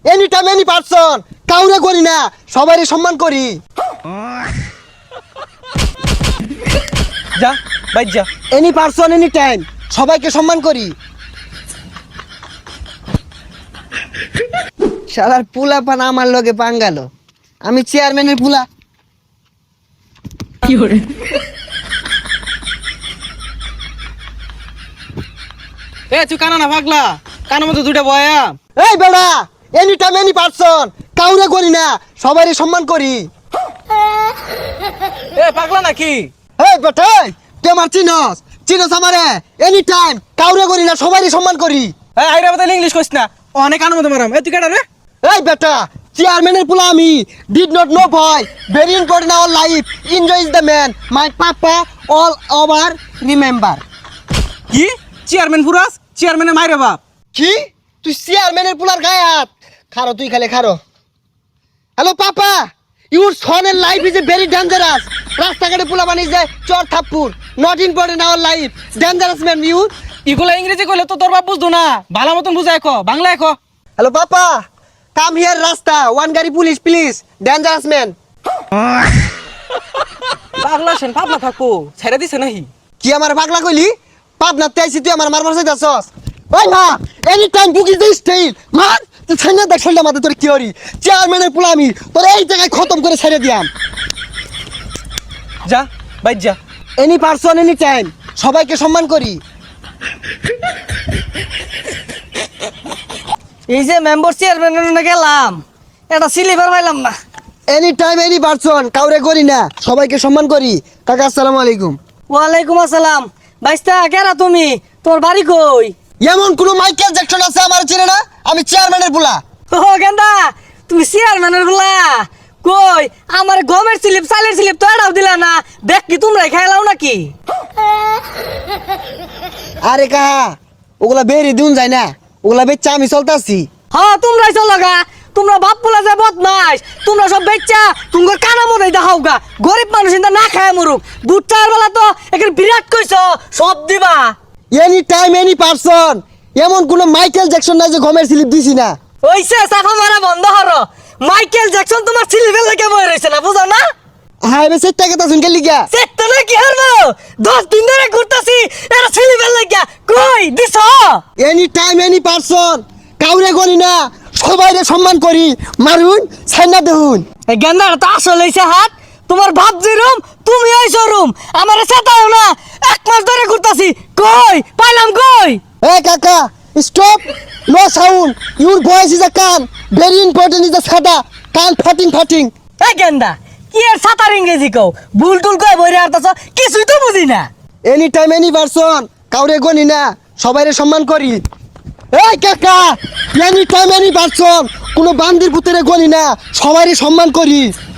Any time any person, কাউরে করি না, সবারই সম্মান করি। যা বাইর যা। এনি পারসন এনি টাইম, সবাইকে সম্মান করি। শালার পুলা পান আমার লগে পাঙ্গালো, আমি চেয়ারম্যানের পুলা। কি করে এ তুই কানা না পাগলা, কানের মধ্যে দুইটা বয়া। এই বেড়া, এনি টাইম এনি পারসন, কাউরে করি না, সবারই সম্মান করি। এ পাগলা নাকি? এই বেটা, তুই আমার চিনস চিনস আমারে? এনি টাইম কাউরে করি না, সবারই সম্মান করি। এই আইরা বদলে ইংলিশ কইস না, অনেক কানের মধ্যে মারাম। এ তুই কেডা রে? এই বেটা, চেয়ারম্যানের পুলা আমি। Did not know boy, very important our life, enjoy is the man, my papa all over remember. কি চেয়ারম্যান ফুরাস? চেয়ারম্যানের মাইরে বাপ। কি তুই চেয়ারম্যানের পুলার গায়ে হাত? খারো তুই, খালে খারো। হ্যালো পাপা, ইউর সনের life is a very dangerous. রাস্তাঘাটে পুলা বানিয়ে যায় চর থাপ্পুর, not important our life, dangerous man you. ইগুলা ইংরেজি কইলে তো তোর বাপ বুঝতো না, ভালো মতন বুঝায় কো, বাংলায় কো। হ্যালো পাপা, কাম হিয়ার রাস্তা, ওয়ান গাড়ি পুলিশ প্লিজ, ডেঞ্জারাস ম্যান। পাগলা সেন পাগলা থাকবো, ছেড়ে দিছে নাহি? কি আমার পাগলা কইলি? পাবনা তেইছি তুই আমার মারবার চাইতাছস? ওই মা, any time book is the style. মার তুই ছাইনা দেখ শৈলা মাথা তোর কি হরি? চেয়ারম্যানের পুলা আমি, তোর এই জায়গায় খতম করে ছেড়ে দিয়াম। যা বাইর যা। এনি পারসন এনি টাইম, সবাইকে সম্মান করি। এই যে মেম্বার চেয়ারম্যান গেলাম, এটা সিলিভার পাইলাম না। এনি টাইম এনি পারসন, কাউরে করি না, সবাইকে সম্মান করি। কাকা আসসালামু আলাইকুম। ওয়ালাইকুম আসসালাম। বাইস্তা কেরা তুমি? তোর বাড়ি কই? এমন কোন মাইকেল জ্যাকসন আছে আমার চিনে না? আমি চেয়ারম্যানের পুলা। ও গেন্দা, তুমি চেয়ারম্যানের বলা কই? আমার গমের স্লিপ, চালের স্লিপ তো এটাও দিলা না। দেখ কি তোমরাই খাইলাও নাকি? আরে কাহা, ওগুলা বেরি দিন যায় না, ওগুলা বেচা আমি চলতাছি। হ্যাঁ তোমরাই চলো গা। তোমরা বাপ পোলা যে বদমাইশ, তোমরা সব বেচ্চা তোমার কানা মধ্যে দেখাও গা। গরিব মানুষ ইন্দা না খায় মরুক। দুধ চার বেলা তো এখানে বিরাট কইছ, সব দিবা। এনি টাইম এনি পারসন, এমন কোন মাইকেল জ্যাকসন নাই যে গমের স্লিপ দিছি না। ওইসে সাফা মারা বন্ধ হরো। মাইকেল জ্যাকসন তোমার সিলিভেল লেগে বই রয়েছে না, বুঝো না? হ্যাঁ এবার সেটা কথা শুনকে লিখা। চেকটা না কি হারবো? 10 দিন ধরে ঘুরতাছি, এরা সিলিভেল লেগে কই দিছ? এনি টাইম এনি পারসন, কাউরে করি না, সবাইরে সম্মান করি। মারুন ছাইনা দেহুন। এই গেন্দার তো আসল হইছে হাত। তোমার ভাব যেরুম, তুমি ওই শোরুম। আমার সেটাও না, 1 মাস ধরে ঘুরতাছি। কই পাইলাম কই? Hey Kaka, stop! No sound. Your voice is a can. Very important is the sada. Can farting. এই গেন্দা, কি এর সাতার ইংরেজি কও? ভুল টুল কই বইরে আরতাছ, কিছুই তো বুঝি না। Anytime any person. কাউরে গনি না, সবাইরে সম্মান করি। Hey Kaka, anytime any person. কোনো বান্দির পুতরে গনি না, সবাইরে সম্মান করি।